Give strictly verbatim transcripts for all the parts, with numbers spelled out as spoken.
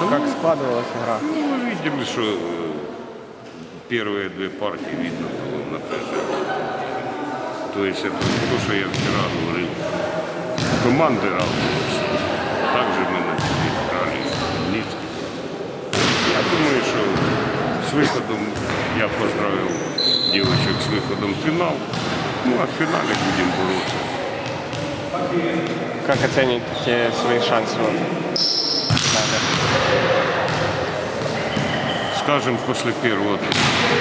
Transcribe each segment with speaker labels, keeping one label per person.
Speaker 1: Как складывалась игра?
Speaker 2: Ну, мы видели, что э, первые две партии видно было напряжение. То есть это то, что я вчера говорил. Команды равнялись. Также мы начали играли низко. Я думаю, что с выходом я поздравил девочек с выходом в финал. Ну а в финале будем бороться.
Speaker 1: Как оцените свои шансы? Вот?
Speaker 2: Скажем, после первого тура.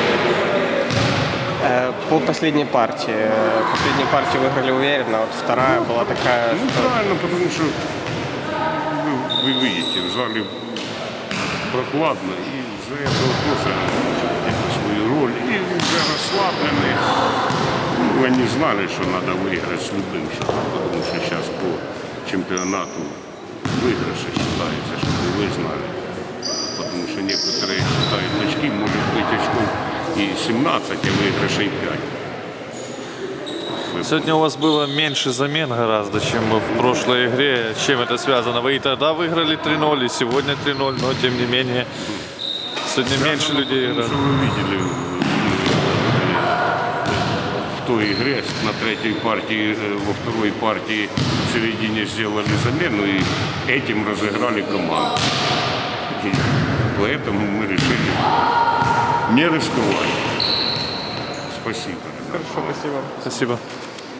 Speaker 1: Э, По последней партии. Э, Последнюю партию выиграли уверенно, а вот вторая была такая,
Speaker 2: Ну
Speaker 1: что...
Speaker 2: правильно, потому что вы, вы видите, в зале прохладно, и из-за этого тоже где-то свою роль. И уже расслабленные. Ну, они знали, что надо выиграть с любым счетом, потому что сейчас по чемпионату выигрыши считается, чтобы вы знали. Потому что некоторые считают очки, может быть очков и семнадцать, а выигрышей пять.
Speaker 3: Сегодня у вас было меньше замен гораздо, чем в прошлой игре. С чем это связано? Вы и тогда выиграли три ноль, и сегодня три ноль, но тем не менее сегодня меньше людей
Speaker 2: Потому
Speaker 3: играет.
Speaker 2: что вы видели в той игре на третьей партии, во второй партии в середине сделали замену и этим разыграли команду. И поэтому мы решили не рисковать. Спасибо.
Speaker 1: Хорошо, спасибо.
Speaker 3: Спасибо.